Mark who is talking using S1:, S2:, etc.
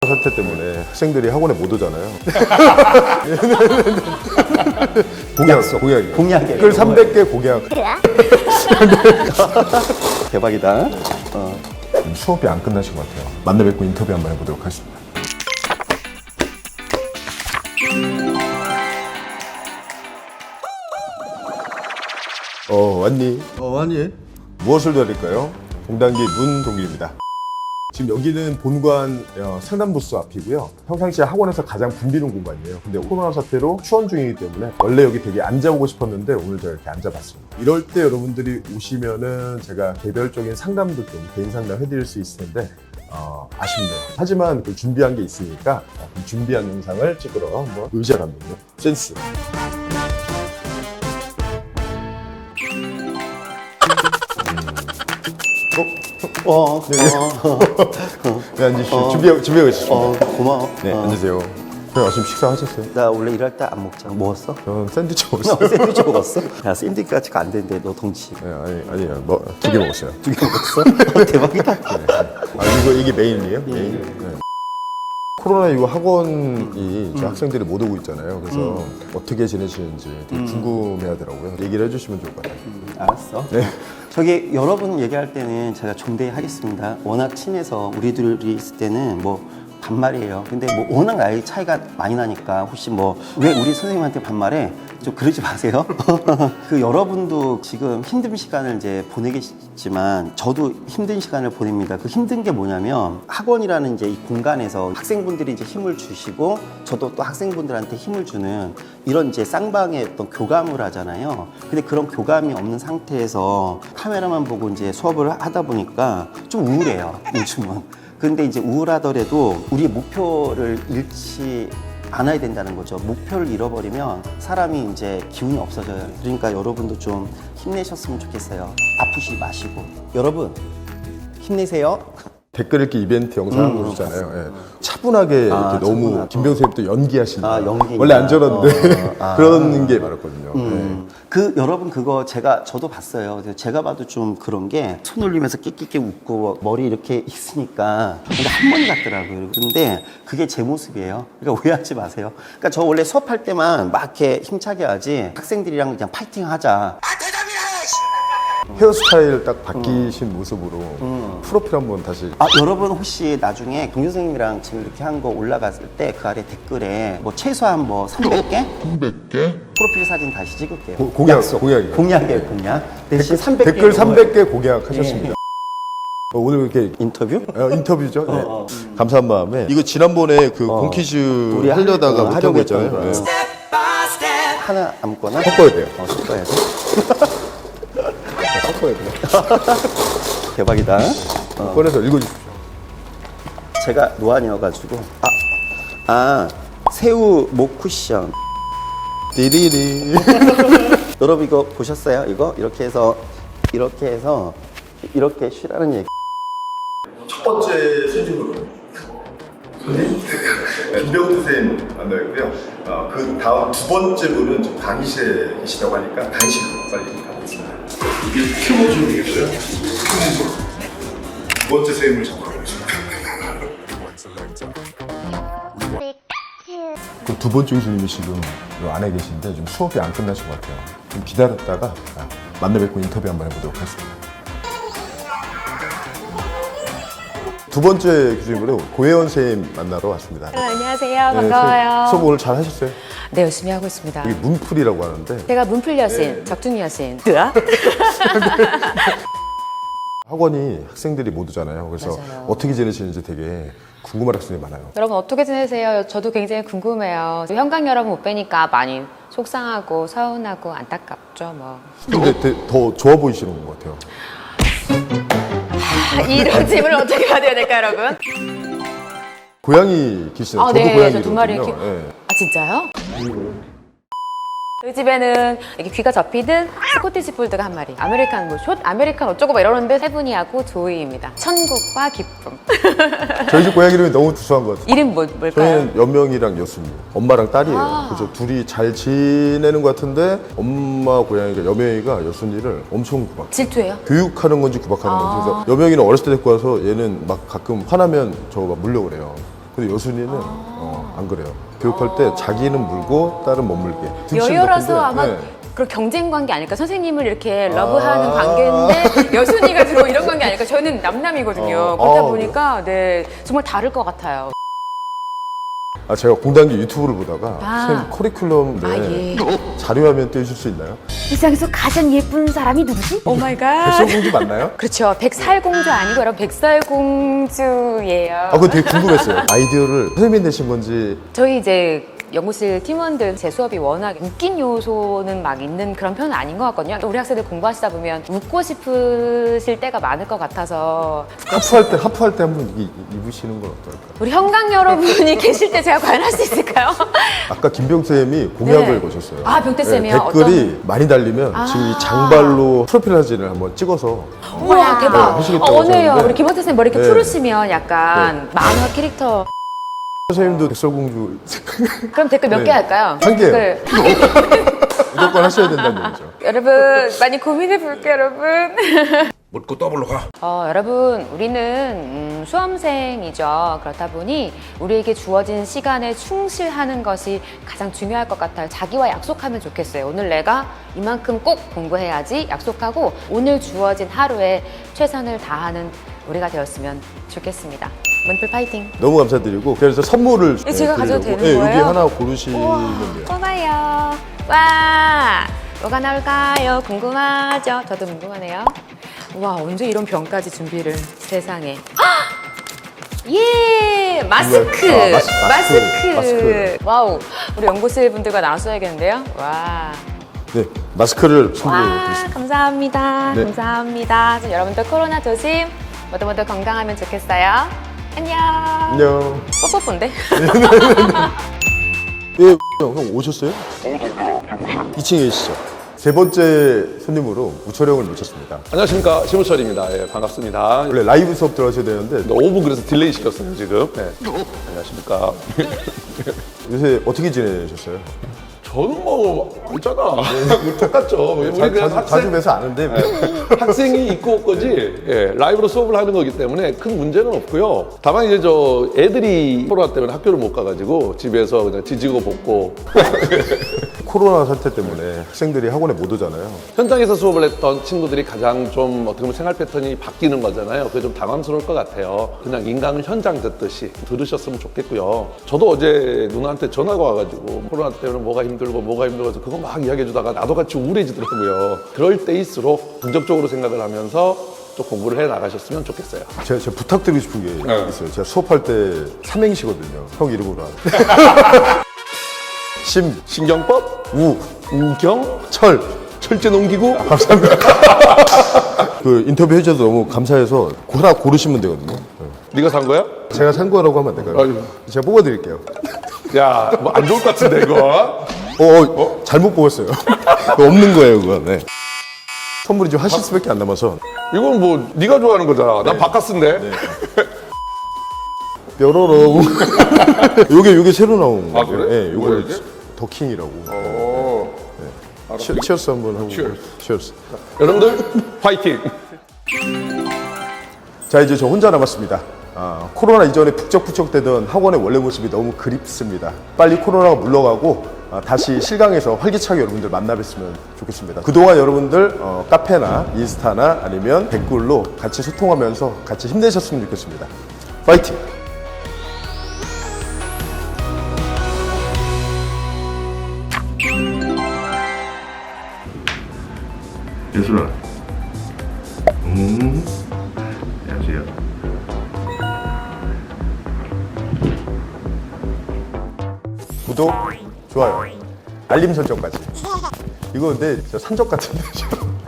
S1: 사태 때문에 학생들이 학원에 못 오잖아요. 공약이에요.
S2: 공약이에요.
S1: 댓글 300개 공약.
S2: 대박이다.
S1: 수업이 안 끝나신 것 같아요. 만나 뵙고 인터뷰 한번 해보도록 하겠습니다. 왔니?
S3: 왔니?
S1: 무엇을 드릴까요? 동단기 문동길입니다. 지금 여기는 본관 상담부스 앞이고요. 평상시에 학원에서 가장 붐비는 공간이에요. 근데 코로나 사태로 휴원 중이기 때문에 원래 여기 되게 앉아보고 싶었는데 오늘 제가 이렇게 앉아봤습니다. 이럴 때 여러분들이 오시면은 제가 개별적인 상담도 좀 개인 상담 해드릴 수 있을 텐데 아쉽네요. 하지만 그 준비한 게 있으니까 준비한 영상을 찍으러 한번 의자 감독님 센스. 네, 앉으시죠. 준비하고 있으십니다.
S2: 고마워.
S1: 네, 앉으세요. 형 아침 식사하셨어요?
S2: 나 원래 일할 때 안 먹잖아. 먹었어?
S1: 저는 샌드위치
S2: 너
S1: 먹었어요.
S2: 샌드위치 먹었어? 야, 샌드위치가 안 되는데 너 덩치.
S1: 네, 아니요. 뭐, 2개 먹었어요.
S2: 2개 먹었어? 대박이다.
S1: 이게 메인이에요? 메인. 네. 코로나 이후 학원이 이제 학생들이 못 오고 있잖아요. 그래서 어떻게 지내시는지 되게 궁금해 하더라고요. 얘기를 해주시면 좋을 것 같아요.
S2: 알았어.
S1: 네.
S2: 저기 여러분 얘기할 때는 제가 존대하겠습니다. 워낙 친해서 우리들이 있을 때는 뭐 반말이에요. 근데 뭐 워낙 나이 차이가 많이 나니까 혹시 뭐 왜 우리 선생님한테 반말해? 좀 그러지 마세요. 그 여러분도 지금 힘든 시간을 이제 보내겠지만 저도 힘든 시간을 보냅니다. 그 힘든 게 뭐냐면 학원이라는 이제 이 공간에서 학생분들이 이제 힘을 주시고 저도 또 학생분들한테 힘을 주는 이런 이제 쌍방의 어떤 교감을 하잖아요. 근데 그런 교감이 없는 상태에서 카메라만 보고 이제 수업을 하다 보니까 좀 우울해요. 요즘은. 근데 이제 우울하더라도 우리의 목표를 잃지 않아야 된다는 거죠. 목표를 잃어버리면 사람이 이제 기운이 없어져요. 그러니까 여러분도 좀 힘내셨으면 좋겠어요. 아프지 마시고. 여러분, 힘내세요.
S1: 댓글 읽기 이벤트 영상 보시잖아요. 예. 차분하게 이렇게 너무
S2: 차분하고.
S1: 김병수 쌤도 연기하신다.
S2: 연기.
S1: 원래 안 저런데 그런 게 많았거든요. 예.
S2: 그 여러분 그거 저도 봤어요. 그래서 제가 봐도 좀 그런 게 손 올리면서 끽끽끼 웃고 머리 이렇게 있으니까 근데 할머니 같더라고요. 근데 그게 제 모습이에요. 그러니까 오해하지 마세요. 그러니까 저 원래 수업할 때만 막 이렇게 힘차게 하지 학생들이랑 그냥 파이팅하자.
S1: 헤어스타일 딱 바뀌신 모습으로 프로필 한번 다시.
S2: 여러분 혹시 나중에 동료 선생님이랑 지금 이렇게 한 거 올라갔을 때 그 아래 댓글에 뭐 최소한 뭐 300개? 300개? 프로필 사진 다시 찍을게요.
S1: 공약이에요.
S2: 공약이에요, 공약. 대신 300개.
S1: 댓글 300개 공약하셨습니다. 오늘 이렇게
S2: 인터뷰?
S1: 인터뷰죠. 네. 감사한 마음에 이거 지난번에 그 공퀴즈
S2: 우리
S1: 하려다가 못한
S2: 하려고
S1: 거 있잖아요.
S2: 했던 거.
S1: 네.
S2: 하나 아무거나?
S1: 섞어야 돼요.
S2: 섞어야 돼.
S1: 섞어야 돼요.
S2: 대박이다.
S1: 꺼내서 읽어주십시오.
S2: 제가 노안이어가지고. 새우 목 쿠션.
S1: 띠리리.
S2: 여러분 이거 보셨어요? 이거? 이렇게 해서 이렇게 쉬라는 얘기.
S1: 첫 번째 수준으로 김병수 쌤 만나고요. 그 다음 두 번째 분은 지금 강의실에 계시다고 하니까 강의실로 빨리 가보겠습니다. 이게 큐브 중이겠어요? 두 번째 쌤을 잡아보겠습니다. 그 두 번째 교수님이 지금 요 안에 계신데 좀 수업이 안 끝나신 것 같아요. 좀 기다렸다가 만나 뵙고 인터뷰 한번 해보도록 하겠습니다. 두 번째 교수님으로 고혜원 선생님 만나러 왔습니다.
S4: 안녕하세요. 반가워요.
S1: 수업 오늘 잘 하셨어요?
S4: 네, 열심히 하고 있습니다.
S1: 이게 문풀이라고 하는데
S4: 제가 문풀 여신, 적중 여신.
S1: 학원이 학생들이 못 오잖아요. 그래서
S4: 맞아요.
S1: 어떻게 지내시는지 되게 궁금한 학생들이 많아요.
S4: 여러분 어떻게 지내세요? 저도 굉장히 궁금해요. 현강 여러분 못 뵈니까 많이 속상하고 서운하고 안타깝죠. 뭐.
S1: 근데 더 좋아 보이시는 것 같아요.
S4: 이런 질문을 어떻게 받아야 될까요, 여러분?
S1: 고양이 기시나요? 저도
S4: 네,
S1: 고양이
S4: 저 두 마리
S1: 키우거든요. 예.
S4: 진짜요? 저희 집에는 이렇게 귀가 접히든 스코티시 폴드가 한 마리, 아메리칸 뭐 숏, 아메리칸 어쩌고 막 이러는데 세분이하고 조이입니다. 천국과 기쁨.
S1: 저희 집 고양이 이름이 너무 두수한 것 같아요.
S4: 이름 뭘까요?
S1: 저희는 연명이랑 여순이, 엄마랑 딸이에요. 그래서 둘이 잘 지내는 것 같은데 엄마 고양이가 여명이가 여순이를 엄청 막
S4: 질투해요?
S1: 교육하는 건지 구박하는 건지. 그래서 여명이는 어렸을 때 데리고 와서 얘는 막 가끔 화나면 저 막 물려고 그래요. 근데 여순이는 안 그래요. 교육할 때 자기는 물고 딸은 못 물게. 등치는
S4: 여여라서
S1: 높은데,
S4: 아마
S1: 네.
S4: 그런 경쟁 관계 아닐까? 선생님을 이렇게 러브하는 관계인데 여순이가 들어 이런 관계 아닐까? 저는 남남이거든요. 그렇다 보니까 네 정말 다를 것 같아요.
S1: 제가 공단기 유튜브를 보다가
S4: 아.
S1: 선생님 커리큘럼
S4: 예.
S1: 자료화면 떼줄 수 있나요?
S4: 세상에서 가장 예쁜 사람이 누구지? 오 마이 갓.
S1: 백설공주 맞나요?
S4: 그렇죠. 백살공주 아니고 여러분 백설공주예요.
S1: 그거 되게 궁금했어요. 아이디어를 선생님이 내신 건지.
S4: 저희 이제 연구실 팀원들 제 수업이 워낙 웃긴 요소는 막 있는 그런 편은 아닌 것 같거든요. 또 우리 학생들 공부하시다 보면 웃고 싶으실 때가 많을 것 같아서
S1: 하프할 때 한번 입으시는 건 어떨까?
S4: 우리 형광 여러분이 계실 때 제가 과연 할 수 있을까요?
S1: 아까 김병쌤이 공약을
S4: 네.
S1: 거셨어요.
S4: 아, 병태쌤이요?
S1: 댓글이 많이 달리면 지금 이 장발로 프로필 사진을 한번 찍어서
S4: 우와 대박.
S1: 하시겠다고
S4: 오늘요.
S1: 하셨는데.
S4: 우리 김원태 쌤 머리 이렇게
S1: 네.
S4: 푸르시면 약간 만화 캐릭터.
S1: 선생님도 백설공주
S4: 그럼 댓글 몇 개
S1: 네.
S4: 할까요?
S1: 한 개요.
S4: 댓글.
S1: 무조건 하셔야 된다는 얘기죠.
S4: 여러분 많이 고민해 볼게요, 여러분.
S3: 묻고 더블로 가.
S4: 여러분 우리는 수험생이죠. 그렇다 보니 우리에게 주어진 시간에 충실하는 것이 가장 중요할 것 같아요. 자기와 약속하면 좋겠어요. 오늘 내가 이만큼 꼭 공부해야지 약속하고 오늘 주어진 하루에 최선을 다하는 우리가 되었으면 좋겠습니다. 문풀 파이팅!
S1: 너무 감사드리고 그래서 선물을
S4: 제가 가져도
S1: 드리려고.
S4: 되는
S1: 여기
S4: 거예요?
S1: 하나 고르시면 돼요.
S4: 뽑아요. 와, 뭐가 나올까요? 궁금하죠? 저도 궁금하네요. 와, 언제 이런 병까지 준비를 세상에. 예, 마스크.
S1: 마스크.
S4: 와우, 우리 연구실 분들과 나눠써야겠는데요. 와.
S1: 네, 마스크를
S4: 와,
S1: 선물드리겠습니다.
S4: 감사합니다.
S1: 네.
S4: 감사합니다. 좀 여러분들 코로나 조심. 모두 건강하면 좋겠어요. 안녕.
S1: 안녕.
S4: 뽀뽀뽀인데?
S1: 예, 형 오셨어요? 2층에 계시죠? 세 번째 손님으로 우철형을 모셨습니다.
S3: 안녕하십니까, 심우철입니다. 예, 반갑습니다.
S1: 원래 라이브 수업 들어가셔야 되는데
S3: 5분 그래서 딜레이 시켰어요 지금. 네. 안녕하십니까.
S1: 요새 어떻게 지내셨어요?
S3: 저는 뭐 있잖아. 똑같죠. 우리 그냥
S1: 자주 뵈서 아는데
S3: 학생이 있고 없고지 예, 라이브로 수업을 하는 거기 때문에 큰 문제는 없고요. 다만 이제 저 애들이 코로나 때문에 학교를 못 가가지고 집에서 그냥 지지고 볶고
S1: 코로나 사태 때문에 학생들이 학원에 못 오잖아요.
S3: 현장에서 수업을 했던 친구들이 가장 좀 어떻게 보면 생활 패턴이 바뀌는 거잖아요. 그게 좀 당황스러울 것 같아요. 그냥 인강을 현장 듣듯이 들으셨으면 좋겠고요. 저도 어제 누나한테 전화가 와가지고 코로나 때문에 뭐가 힘들고 해서 그거 막 이야기해주다가 나도 같이 우울해지더라고요. 그럴 때일수록 긍정적으로 생각을 하면서 좀 공부를 해 나가셨으면 좋겠어요.
S1: 제가 부탁드리고 싶은 게 있어요. 제가 수업할 때 삼행시거든요. 형 이름으로 하는.
S3: 신경법, 우경,
S1: 철.
S3: 철제 농기구.
S1: 그 인터뷰 해주셔서 너무 감사해서 하나 고르시면 되거든요.
S3: 네가 산 거야?
S1: 제가 산 거라고 하면 안 될까요?
S3: 아유.
S1: 제가 뽑아드릴게요.
S3: 야, 뭐 안 좋을 것 같은데 이거.
S1: 잘못 뽑았어요. 그거 없는 거예요, 그거. 네. 선물이 지금 하시스밖에 안 남아서.
S3: 이건 뭐 네가 좋아하는 거잖아. 난 바카스인데.
S1: 뾰로롱. 요게 새로 나온
S3: 아,
S1: 거예요.
S3: 그래?
S1: 네,
S3: 뭐야,
S1: 요거
S3: 이게?
S1: 더킹이라고.
S3: 오.
S1: 치어스 한번 하고. 치어스.
S3: 여러분들 파이팅.
S1: 자, 이제 저 혼자 남았습니다. 코로나 이전에 북적북적대던 학원의 원래 모습이 너무 그립습니다. 빨리 코로나가 물러가고 다시 실강에서 활기차게 여러분들 만나 뵀으면 좋겠습니다. 그동안 여러분들 카페나 인스타나 아니면 댓글로 같이 소통하면서 같이 힘내셨으면 좋겠습니다. 파이팅! 예술아. 안녕하세요. 구독, 좋아요, 알림 설정까지. 이거 근데 저 산적 같은데.